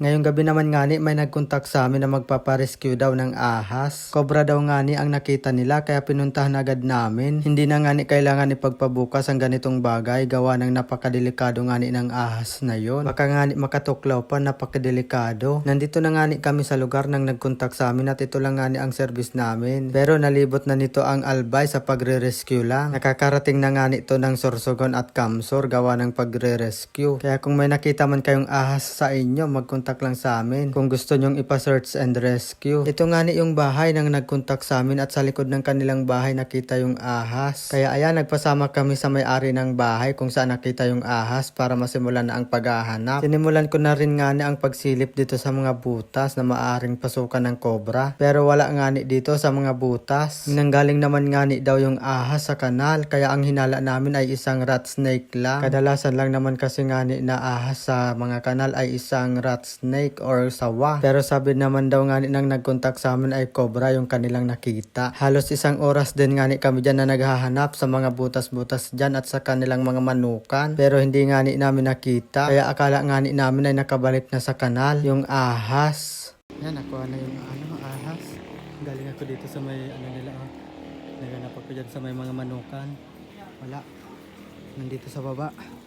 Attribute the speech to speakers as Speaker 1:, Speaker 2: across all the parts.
Speaker 1: Ngayong gabi naman nga ni may nagkontak sa amin na magpaparescue daw ng ahas. Cobra daw nga ni ang nakita nila kaya pinuntahan agad namin. Hindi na nga ni kailangan ipagpabukas ang ganitong bagay gawa ng napakadelikado nga ni ng ahas na yon. Baka nga ni makatuklaw pa, napakadelikado. Nandito na nga ni kami sa lugar nang nagkontak sa amin at ito lang nga ni ang service namin. Pero nalibot na nito ang albay sa pagre-rescue lang. Nakakarating na nga nito ng Sorsogon at Kamsor gawa ng pagre-rescue. Kaya kung may nakita man kayong ahas sa inyo, magkontak lang sa amin kung gusto nyong ipa-search and rescue. Ito nga ni yung bahay nang nagkontak sa amin at sa likod ng kanilang bahay nakita yung ahas. Kaya ayan, nagpasama kami sa may-ari ng bahay kung saan nakita yung ahas para masimulan na ang paghahanap. Sinimulan ko na rin nga ni ang pagsilip dito sa mga butas na maaring pasukan ng cobra. Pero wala nga ni dito sa mga butas. Nanggaling naman nga ni daw yung ahas sa kanal kaya ang hinala namin ay isang rat snake lang. Kadalasan lang naman kasi nga ni na ahas sa mga kanal ay isang rat snake or sawa. Pero sabi naman daw nga ni nang nagkontak sa amin ay cobra yung kanilang nakita. Halos isang oras din nga ni kami dyan na naghahanap sa mga butas-butas dyan at sa kanilang mga manukan. Pero hindi nga ni namin nakita. Kaya akala nga ni namin ay nakabalik na sa kanal yung ahas. Yan, nakuha na yung ahas. Galing ako dito sa may nila. Naganap ako dyan sa may mga manukan. Wala. Nandito sa baba.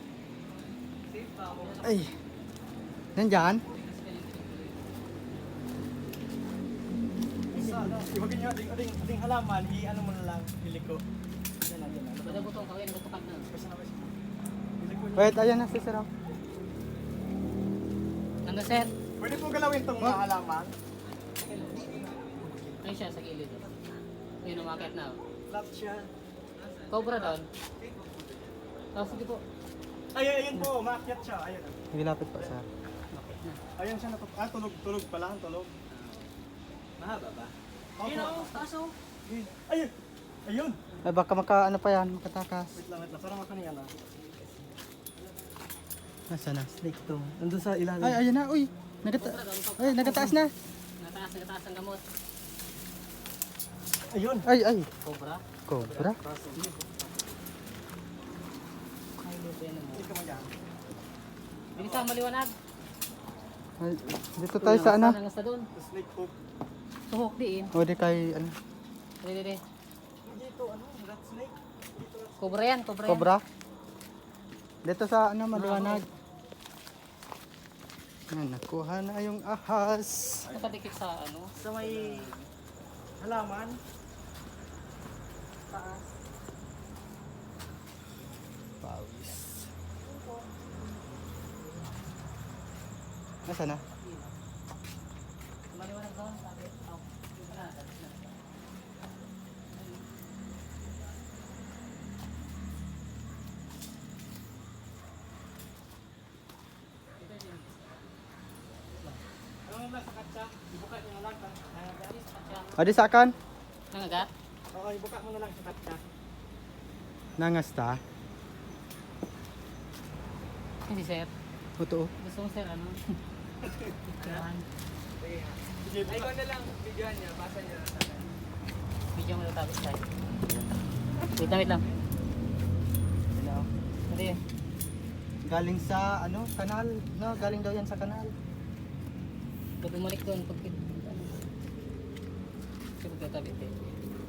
Speaker 1: Ay. Nandyan?
Speaker 2: Ibagin nyo, ading halaman, i-ano mo na lang, iliko. Yan na.
Speaker 3: Bada butong kawin, butukan na.
Speaker 1: Wait, ayan na si Sir.
Speaker 3: Ano sir?
Speaker 2: Pwede po galawin itong mga halaman.
Speaker 3: Ayun siya sa gilid. Ayun, umakit na.
Speaker 2: Flat siya.
Speaker 3: Cobra doon. Oh, sige po.
Speaker 2: Ayun po, maakyat siya. Ayun.
Speaker 1: Sige, lapit pa Sir.
Speaker 3: Umakit na.
Speaker 2: Ayun siya tulog pala, tulog.
Speaker 3: Mahaba ba?
Speaker 2: Ayun
Speaker 3: o, kaso.
Speaker 2: Ayun! Ayun!
Speaker 1: Ay, baka ano pa yan, makatakas.
Speaker 2: Wait lang, parang makaniya na.
Speaker 1: Nasaan na?
Speaker 2: Snake to. Nandun sa ilalim.
Speaker 1: Ay, ayan na, uy. Nagataas na.
Speaker 3: Nagataas ang gamot.
Speaker 2: Ayun!
Speaker 1: Ay.
Speaker 3: Cobra?
Speaker 1: Cobra?
Speaker 3: Ay, lupa yan mo.
Speaker 2: Hindi ka magyan.
Speaker 3: Bilis ang maliwanag.
Speaker 1: Ay, dito tayo sa ano?
Speaker 3: Nangas na doon.
Speaker 2: Snake hook.
Speaker 3: Tuhok diin.
Speaker 1: O di kay ano?
Speaker 3: Dili.
Speaker 2: Dito, rat snake.
Speaker 3: Cobra yan, cobra yan.
Speaker 1: Cobra? Dito sa ano, maliwanag. Yan, nakuha na yung ahas.
Speaker 3: Nakadikit sa ano.
Speaker 2: Sa may halaman. Taas.
Speaker 1: Pawis. Nasaan na?
Speaker 3: Maliwanag doon, sabi. Oh,
Speaker 2: Ano mo ba sa katsa? Ibuka nyo na lang.
Speaker 1: O di sa akan?
Speaker 3: Nangagat?
Speaker 2: Oo, ibuka mo na lang sa katsa.
Speaker 1: Nangasta?
Speaker 3: Hindi sir.
Speaker 1: Puto.
Speaker 3: Gusto mo sir, ano? Yan.
Speaker 2: Sige, buka. na lang, bigyan niya, basa niya.
Speaker 3: Video mo yung tapos tayo. Wait lang. Hindi.
Speaker 1: Galing sa ano, kanal. No, galing daw yan sa kanal.
Speaker 3: Pag bumalik doon, pag ano. Kasi pagkakabit eh.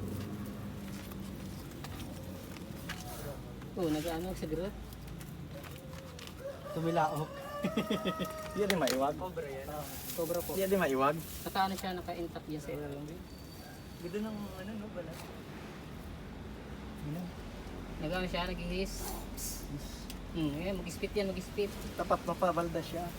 Speaker 3: Oo, nag-ano, sigaret.
Speaker 1: Tumilaok.
Speaker 2: Hindi din maiwag. Cobra yan.
Speaker 3: Cobra po.
Speaker 2: Hindi din maiwag.
Speaker 3: Naka-ano siya, naka-intact yan sa ilalim.
Speaker 2: Ganda ng ano no pala.
Speaker 3: Nag-ano siya, nag-his. Mag-spit yan, mag-spit.
Speaker 2: Tapat mapabalda siya.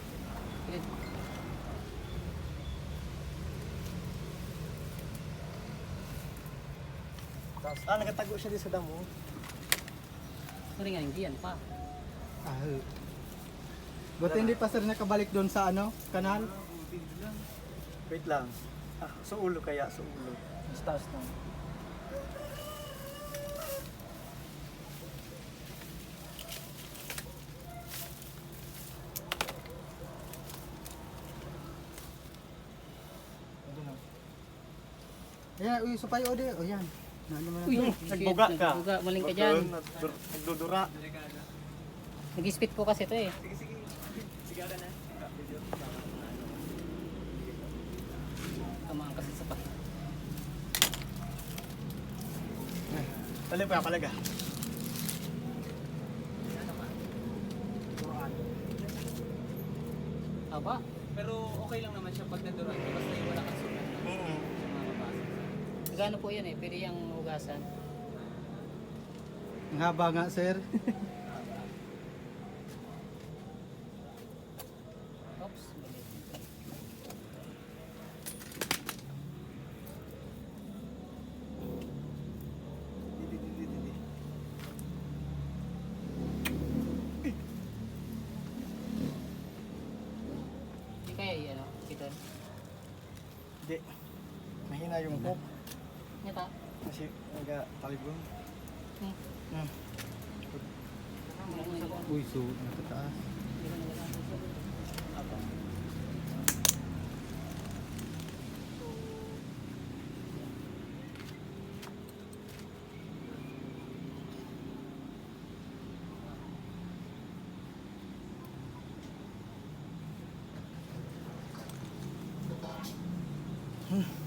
Speaker 2: Nagatago siya din sa damo.
Speaker 3: Sorry nga, hindi yan pa.
Speaker 1: Ah. Buti hindi pa sir nakabalik doon sa ano, kanal.
Speaker 2: Wait lang. Sa ulo kaya, sa ulo. Mas taas na.
Speaker 1: Ayan, uy, supay o di. O yan. Ano mo na.
Speaker 3: Uy,
Speaker 2: Nagbuga ka.
Speaker 3: Nagbuga, maling ka dyan.
Speaker 2: Nagdudura.
Speaker 3: Nag-spit po kasi ito eh.
Speaker 2: Sige. Sigara na.
Speaker 3: Isa pa.
Speaker 2: Paling pa palaga.
Speaker 3: Aba.
Speaker 4: Pero okay lang naman siya pag naduran ka, basta yung wala kang sugat na sa mga mabasa.
Speaker 3: Gano po yan eh. Pwede yung hugasan.
Speaker 2: Ang haba nga, sir.
Speaker 3: Oops. Mali. Hindi kaya ano, ito.
Speaker 2: Hindi. Mahina yung hook.
Speaker 3: Nyata.
Speaker 2: Kasi nagtalibong.
Speaker 3: Hmm.
Speaker 2: Hmm.
Speaker 1: Uy, so, natataas.
Speaker 3: Apa.
Speaker 2: Hmm.